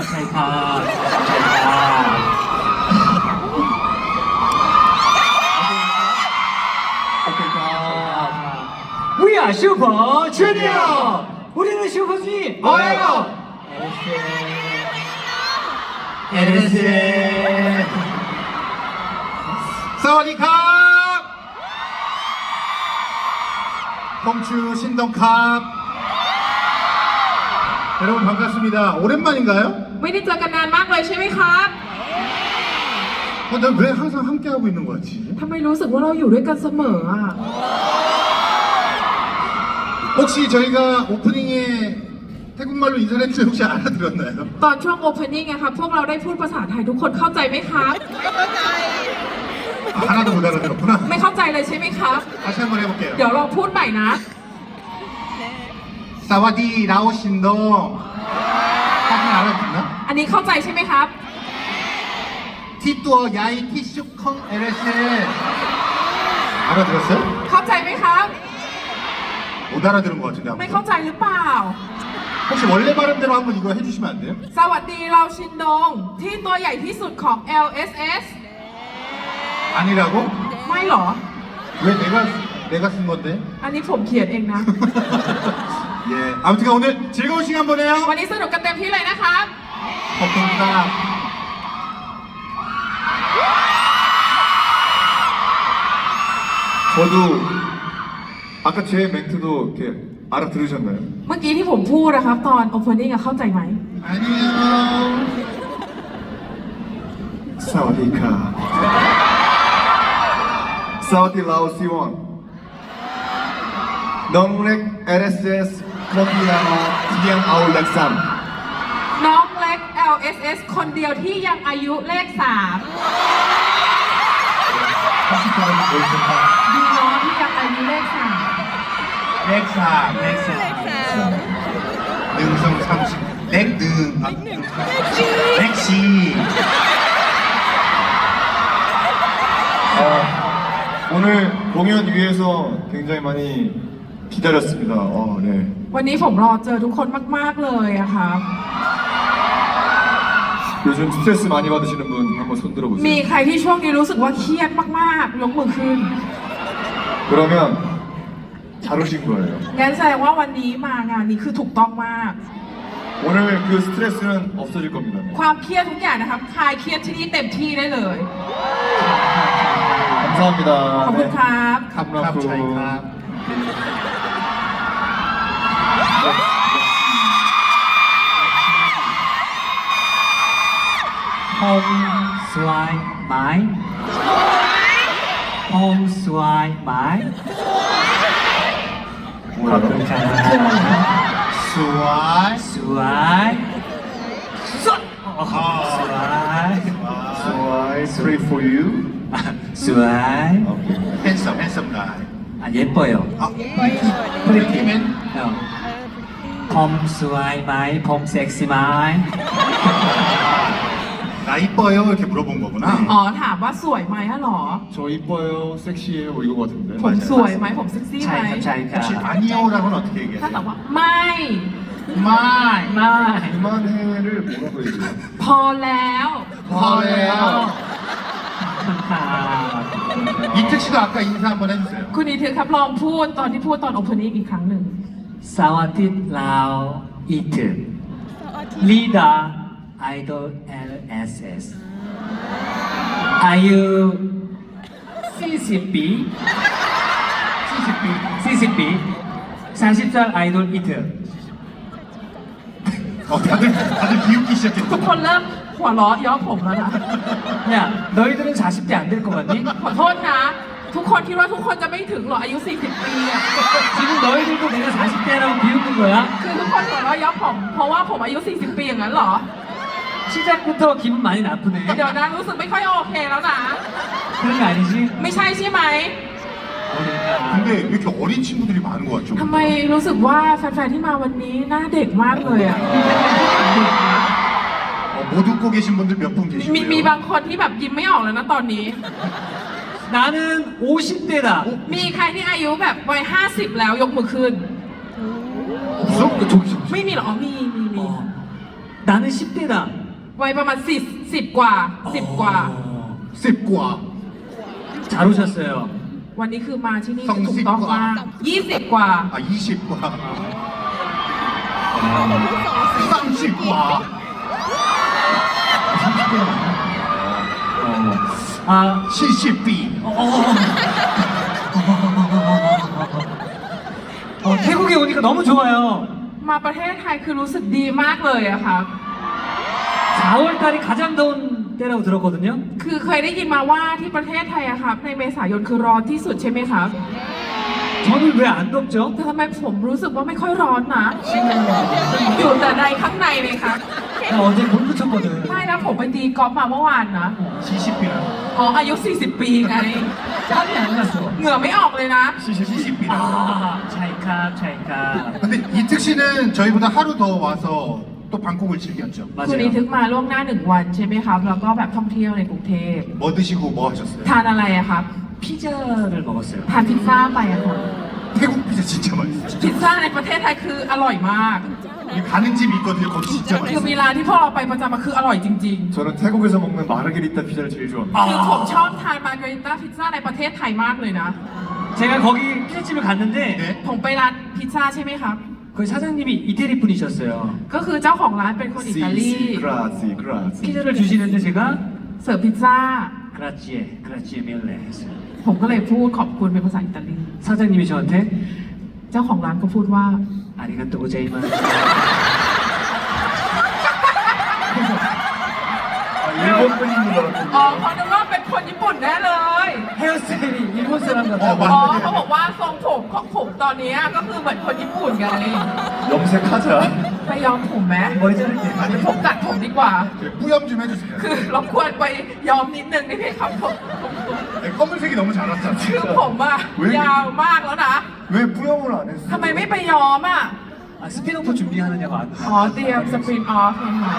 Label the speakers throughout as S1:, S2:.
S1: ใช่ครับ We are Super Junior 우리는 슈퍼주니 뭐예요? LS
S2: สวัสดีครับ펑추 신동캅 여러분 반갑습니다. 오랜만인가요?
S3: ไม่ได้เจอกันนานมากเลยใช่ไหมครับ
S2: 난 왜 항상 함께하고 있는 거 같지?
S3: ทำไมรู้สึกว่าเราอยู่ด้วยกันเสมออ่ะ
S2: 혹시 저희가 오프닝에 태국말로 인사를 했는데 혹시 알아들었나요?
S3: ตอนช่วง opening อะครับพวกเราได้พูดภาษาไทยทุกคนเข้าใจไหมครับ
S2: 하나도 못 알아들었구나.
S3: ไม่เข้าใจเลยใช่ไหมครับ
S2: 다시 한번 해볼게요.
S3: เดี๋ยวลองพูดใหม่นะ
S2: 사와디 라오신동 하긴 알아듣나?
S3: อันนี้เข้าใจใช่ไหมครับ
S2: 티뚜어 야이 티슈컹 LS 알아들었어요?
S3: เข้าใจไหมครับ
S2: 못 알아들은 것 같은데
S3: ไม่
S2: 아무튼.
S3: เข้าใจหรือเปล่า
S2: 혹시 원래 발음대로 한번 이거 해주시면 안 돼요?
S3: สวัสดีเราชินดงที่ตัวใหญ่ที่สุดของ LSS
S2: 아니라고?
S3: ไม่หรอ
S2: 왜 내가 쓴 건데?
S3: อันนี้ผมเขียนเองนะ
S2: 예, 아무튼 오늘 즐거운 시간 보내요.
S3: วันนี้สนุกกันเต็มที่เลยนะครับ
S2: 감사합니다.
S4: 저도 아까 제 멘트도 이렇게 알아들으셨나요?
S3: เมื่อกี้ที่ผมพูดนะครับ ตอน opening อะเข้าใจไหม
S2: 안녕.
S4: 사와디카 사와디 라오시원 넝렉 LSS 커피야마 디양 아울렉삼
S3: น้องเล็ก LSS คนเดียวที่ยังอายุเลข 3
S2: 컴퓨터는 보여준다.
S3: ดีน้องที่ยังอายุเลข
S2: 렉사, 렉사. 능성 30. 렉능. 렉시.
S4: 오늘 공연 위해서 굉장히 많이 기다렸습니다. 네.
S3: 3 วันนี้ผมรอเจอทุกคนมาก ๆ เลยอะครับ
S4: 요즘 스트레스 많이 받으시는 분 한번 손
S3: มี
S4: 들어보세요.
S3: ใครที่ช่วงนี้รู้สึกว่าเครียดมาก ๆ ยกมือขึ้น
S4: 그러면 잘 오신 거예요.
S3: งั้นแสดงว่าวันนี้มางานนี้คือถูกต้องมาก
S4: 오늘 그 스트레스는 없어질 겁니다.
S3: ความเครียดทุกอย่างนะครับคลายเครียดที่นี่เต็มที่ได้เลย
S4: 감사합니다.
S3: ขอบคุณครับ
S2: 캅 차이캅.
S1: 홈 스와이 마이 홈 스와이 마이ขอบคุณครับ
S2: 수완.
S1: 스와이 스와이
S4: Why three for you?
S1: 스와이
S2: 핸섬 가이.
S1: 아 예뻐요
S2: 아, 프리티맨.
S1: 봄 스와이 마이 봄 섹시 마이
S2: 나 이뻐요 이렇게 물어본 거구나.
S3: อ๋อถามว่าสวยไหมฮะหรอ
S4: 저 이뻐요, 섹시해요 뭐 이거 같은데.
S3: ผมสวยไหมผมเซ็กซี่ไหม
S1: 차이캅
S2: 혹시 아니요라고는 어떻게
S3: ถ้าตอบ
S2: 얘기해요?
S3: ว่าไม่
S2: 마이.
S1: 마이
S4: 그만해를 뭐라고 얘기해요?
S3: พอแล้ว
S2: พอแล้ว
S1: 감사합니다.
S2: 이특 씨도 아까 인사 한번 해주세요.
S3: คุณอีทึกครับลองพูดตอนที่พูดตอน opening อีกครั้งหนึ่ง
S1: 사와디 라오 이트 리더 아이돌 LSS 아유 CCB CCB 40살 아이돌 이트
S2: 다들 비웃기
S3: ทุก
S2: 시작했어.
S3: คนเริ่มหัวเราะย้อมผมแล้วนะ
S1: 야 너희들은 40대 안 될 것 같니?
S3: ขอโทษนะ ทุกคนคิดว่าทุกคนจะไม่ถึงหรออายุ 40 ปีอะ
S1: 지금 너희들도 내가 40대라고 비웃는 거야?
S3: คือทุกคนหัวเราะย้อมผมเพราะว่าผมอายุ 40 ปีอย่างนั้นเหรอ
S1: 시작부터 기분 많이 나쁘네
S3: เดี๋ยวนะรู้สึกไม่ค่อยโอเคแล้วนะ
S1: 그런 거 아니지?
S3: ไม่ใช่ใช่ไหม
S1: 그러니까
S2: 근데 왜 이렇게 어린 친구들이 많은 것 같죠?
S3: ทำไมรู้สึกว่าแฟนๆที่มาวันนี้หน้าเด็กมากเลยอะ
S2: 못 웃고 계신 분들 몇 분
S3: มี
S2: 계시고요.
S3: บางคนที่แบบยิ้มไม่ออกแล้วนะตอนนี้
S1: 나는 50대다
S3: มีใครที่อายุแบบวัย50 แล้วยกมือขึ้น
S2: 없어? 저기
S3: ไม่มีเหรออ๋อมี
S1: 어. 나는 10대다.
S3: วัยประมาณ10 กว่า 10 กว่า
S2: 10 กว่า
S1: 잘 오셨어요.
S3: วันนี้คือมาที่นี่
S2: สอง
S3: ถูก
S2: สิบ
S3: ต้อง
S2: กว่า
S3: มาก20 กว่า
S2: 아 20 กว่า 30 กว่า
S1: 아,
S2: 70 ปี
S1: 태국에 오니까 너무 좋아요.
S3: มาประเทศไทยคือรู้สึกดีมากเลยอะครับ
S1: 4월달이 가장 더운 때라고 들었거든요.
S3: คือเคยได้ยินมาว่าที่ประเทศไทยอะครับในเมษายนคือร้อนที่สุดใช่ไหมครับ
S1: 저는 왜 안 덥죠?
S3: แต่ทำไมผมรู้สึกว่าไม่ค่อยร้อนนะอยู่แต่ในข้างในเลยครับ
S1: 나 어제 골프 쳤거든.
S3: ไม่นะผมไปตีกอล์ฟมาเมื่อวานนะ
S2: 70ปีนะ
S3: อ๋ออายุ 40 ปีไง
S1: 땀이 안 났어.
S3: เหงื่อไม่ออกเลยนะ
S2: 70 ปีนะ
S1: 찰칵.
S2: 근데 이특 씨는 저희보다 하루 더 와서 또 방콕을 즐겼죠.
S3: คุณอี
S1: 맞아요.
S3: ทึกมาล่วงหน้า1 วันใช่ไหมครับ แล้วก็แบบท่องเที่ยวในกรุงเทพ
S2: 뭐 드시고 뭐 하셨어요?
S3: ทานอะไรอะครับ
S1: 피자를 먹었어요.
S3: ทานพิซซ่าไปอะครับ
S2: 태국 피자 진짜 맛있어요.
S3: พิซซ่าในประเทศไทยคืออร่อยมาก
S2: 여기 가는 집 있거든요. 거기 진짜
S3: คือมี
S2: 맛있어요.
S3: ร้านที่พวกเราไปประจำมาคืออร่อยจริง
S4: 저는 태국에서 먹는 마르게리타 피자를 제일 좋아합니다.
S3: ๆ คือผมชอบทานมาร์การิต้าพิซซ่าในประเทศไทยมากเลยนะ
S1: 제가 거기 피자집을 갔는데
S2: 네.
S3: ผมไปร้านพิซซ่าใช่ไหมครับ
S1: 거기 사장님이 이태리 분이셨어요.
S3: ก็คือเจ้าของร้านเป็นคนอิตาลี
S4: 그라지.
S1: 피자를 주시는데 제가
S3: เสิร์ฟพิซซ่า
S1: 그라지에 밀레 했어요.
S3: ผมก็เลยพูดขอบคุณเป็นภาษาอิตาลี
S1: 사장님이 저한테
S3: เจ้าของร้านก็พูดว่า
S1: 아리가또 고자이마스.
S4: 아, 일본 분인 줄
S3: อ๋อ
S4: 알았더니
S3: เขาคิดว่าเป็นคนญี่ปุ่นแน่เลย
S1: 헤어스타일이 일본 사람 같다고.
S3: อ๋อเขาบอกว่าทรงผมของผมตอนนี้ก็คือเหมือนคนญี่ปุ่นไง
S4: 염색하자.
S3: ไปย้อมผมไหม
S1: 머리 자를게.
S3: ผมตัดผมดีกว่า
S2: 뿌염 좀 해주세요.
S3: คือรบกวนไปย้อมนิดนึงได้ไหมครับผม
S2: 네, 검은색이 너무 잘
S3: คือ
S2: 왔잖아요.
S3: ผมอะ
S4: เว้ย
S3: ยาวมากแล้วนะ
S4: 왜 뿌염을 안 했어?
S3: ทำไมไม่ไปย้อมอ่ะ
S1: 아, 스피노프 준비하느냐고 안
S3: อ๋อเตรียมสปรินออฟไงคะ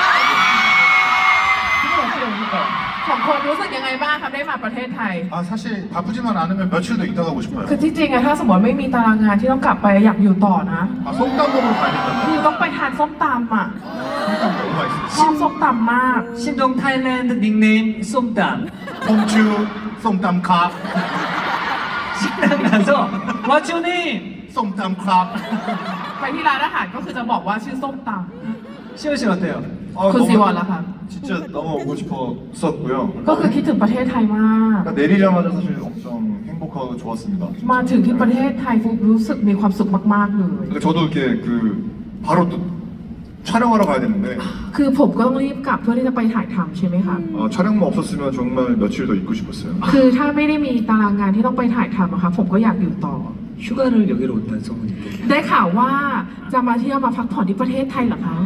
S1: 그걸 어떻게 옵니까?
S3: ของคนรู้สึกยังไงบ้างครับได้มาประเทศไทย
S2: 아 사실 바쁘지만 않으면 며칠 더 있다 가고 싶어요.
S3: คือที่จริงอะถ้าสมมติไม่มีตารางงานที่ต้องกลับไปอยากอยู่ต่อนะ
S2: 아 솜땀 먹으러 가야 된다고요?
S3: คือต้องไปทานส้มตำอ่ะ
S2: 솜땀 너무 맛있어요.
S3: ชอบส้มตำมาก
S1: 신동 타일랜드 닉네임 쏨땀.
S2: 홈추 솜땀 컵
S1: 식당 가서 What's your name?
S2: 솜땀 컵
S3: ไปที่ร้านอาหารก็คือจะบอกว่าชื่อส้มต
S1: 시원 씨 어때요?
S4: 아,
S3: ำคุณ
S4: 너무-
S3: ซีวอนล่ะครับ
S4: 진짜 너무 오고 싶었었고요.
S3: ก็คือคิดถึงประเทศไทยมาก
S4: 그러니까 내리자마자 사실 엄청 행복하고 좋았습니다.
S3: มาถึงที่ประเทศไทยฟุ๊กรู้สึกมีความสุขมากๆเลย
S4: 그러니까 저도 이렇게 그 바로 또 촬영하러 가야 되는데
S3: คือผมก็ต้องรีบกลับเพื่อที่จะไปถ่ายทำใช่ไหมคะ
S4: 촬영만 없었으면 정말 며칠 더 있고 싶었어요.
S3: คือถ้าไม่ได้มีตารางงานที่ต้องไปถ่ายทำอะค่ะผมก็อยากอยู่ต่อ
S1: 휴가를 여기로 온다는 소문이 있대요.
S3: ได้ข่าวว่าจะมาเที่ยวมาพักผ่อนที่ประเทศไทยเหรอคะ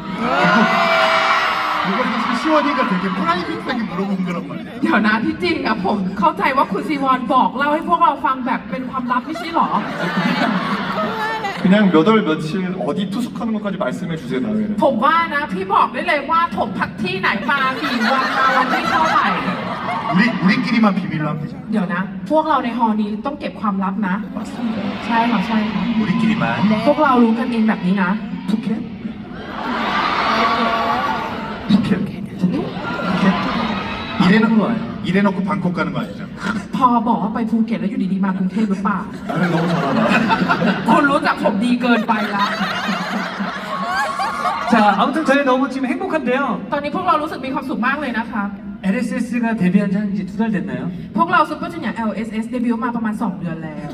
S2: 이거 사실 시원이가 되게 프라이빗하게 물어본 거란 말이에요.
S3: เดี๋ยวนะที่จริงอะผมเข้าใจว่าคุณซีวอนบอกเล่าให้พวกเราฟังแบบเป็นความลับไม่ใช่เหรอ
S4: 그냥 몇 월 며칠 어디 투숙하는 것까지 말씀해 주세요 다음에는.
S3: ผมว่านะพี่บอกได้เลยว่าผมพักที่ไหนมากี่วันมาวันที่เท่าไหร่
S2: 우리끼리만 비밀로 하면 되잖아.
S3: เดี๋ยวนะ พวกเราในฮอนี้ต้องเก็บความลับนะ ใช่ค่ะใช่ค่ะ
S2: 우리끼리만.
S3: พวกเรารู้กันเองแบบนี้นะ
S4: 푸켓?
S2: 이래놓고 방콕 가는 거 아니죠?
S3: พอบอกว่าไปภูเก็ตแล้วอยู่ดีๆมากรุงเทพหรือเปล่า
S4: 나를 너무 잘하나?
S3: คุณรู้จักผมดีเกินไปละ
S1: 자, 아무튼 저희 너무 지금 행복한데요.
S3: ตอนนี้พวกเรารู้สึกมีความสุขมากเลยนะคะ
S1: LSS가 데뷔한 지 한 이제 2달 됐나요?
S3: พวกเราซุปเปอร์จูเนียร์ LSS เดบิวต์มาประมาณ 2 เดือนแล้ว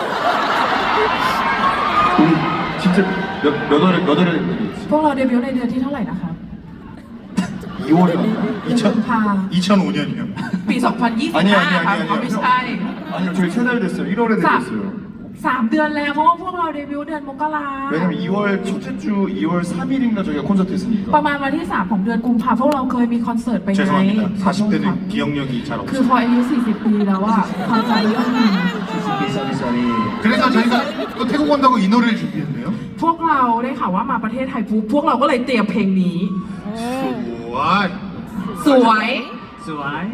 S4: 우리 진짜 몇 월에 데뷔했지?
S3: พวกเราเดบิวต์ในเดือนที่เท่าไหร่นะคะ
S4: 2월이었나?
S3: กุมภา
S2: 2005년이요.
S3: ปี 2025
S4: 아니
S3: ครับเขาไม่ใช่
S4: 아니요 저희 3달 됐어요. 1월에 데뷔했어요.
S3: 3 เดือนแล้วเพราะว่าพวกเราเดบิวต์เดือนมกรา
S4: 왜냐면 2월 첫째 주 2월 3일인가 저희가 콘서트
S3: ประ
S4: 했으니까.
S3: มาณวันที่ 3 ของเดือนกุมภาพวกเราเคยมีคอนเสิร์ตไปไง
S2: 죄송합니다.
S3: ขอโทษครับ
S2: 40대는 기억력이 잘
S3: คือ
S2: 없어요.
S3: พออายุ 40 ปีแล้วอะความจำเรื่องนี้
S1: 쏘리.
S2: 그래서 저희가 또 태국 온다고 이 노래를 준비했네요.
S3: พวกเราได้ข่าวว่ามาประเทศไทยปุ๊บพวกเราก็เลยเตรียมเพลงนี้
S2: 수아이
S3: สวย
S1: 스와이.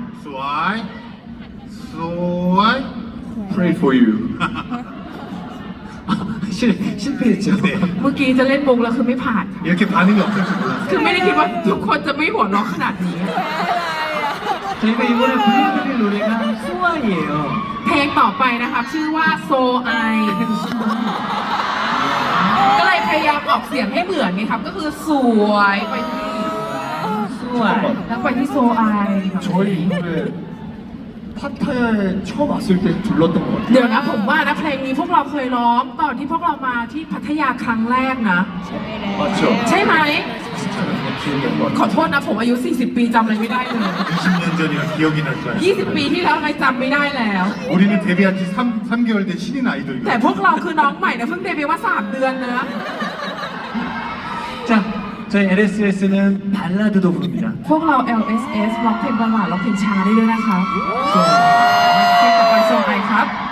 S1: 실패했죠.
S3: เมื่อกี้จะเล่นมุกแล้วคือไม่ผ่าน
S2: 이렇게 반응이 없을 줄 몰랐어요.
S3: คือไม่ได้คิดว่าทุกคนจะไม่หัวเราะขนาดนี้
S1: 저희가 이번에 불러드릴 노래가 수아이에요.
S3: เพลงต่อไปนะครับชื่อว่า So I ก็เลยพยายามออกเสียงให้เหมือนไงครับ ก็คือสวยไปที่
S1: 수아이.
S3: แล้วไปที่ So I ครับ
S4: 저희 이 노래 파타야에 처음 왔을 때 불렀던 것 같아요.
S3: เดี๋ยวนะผมว่านะเพลงนี้พวกเราเคยร้องตอนที่พวกเรามาที่พัทยาครั้งแรกนะ
S4: 맞죠?
S3: ใช่ไหม
S4: 진짜로 기억이 안 나.
S3: ขอโทษนะผมอายุ 40 ปีจำอะไรไม่ได้เลย
S2: 20년 전이라 기억이 날 줄 알았어요.
S3: 20 ปีที่แล้วทำไมจำไม่ได้แล้ว
S2: 우리는 데뷔한 지 3개월 된 신인
S3: แต่
S2: 아이돌이거든요.
S3: พวกเราคือน้องใหม่นะเพิ่งเดบิวต์มา 3 เดือนนะ
S1: 자, 저희 LSS는 발라드도 부릅니다.
S3: พวกเรา LSS ร้องเพลงบัลลาดร้องเพลงช้าได้ด้วยนะครับเพลงต่อไปโซไอครับ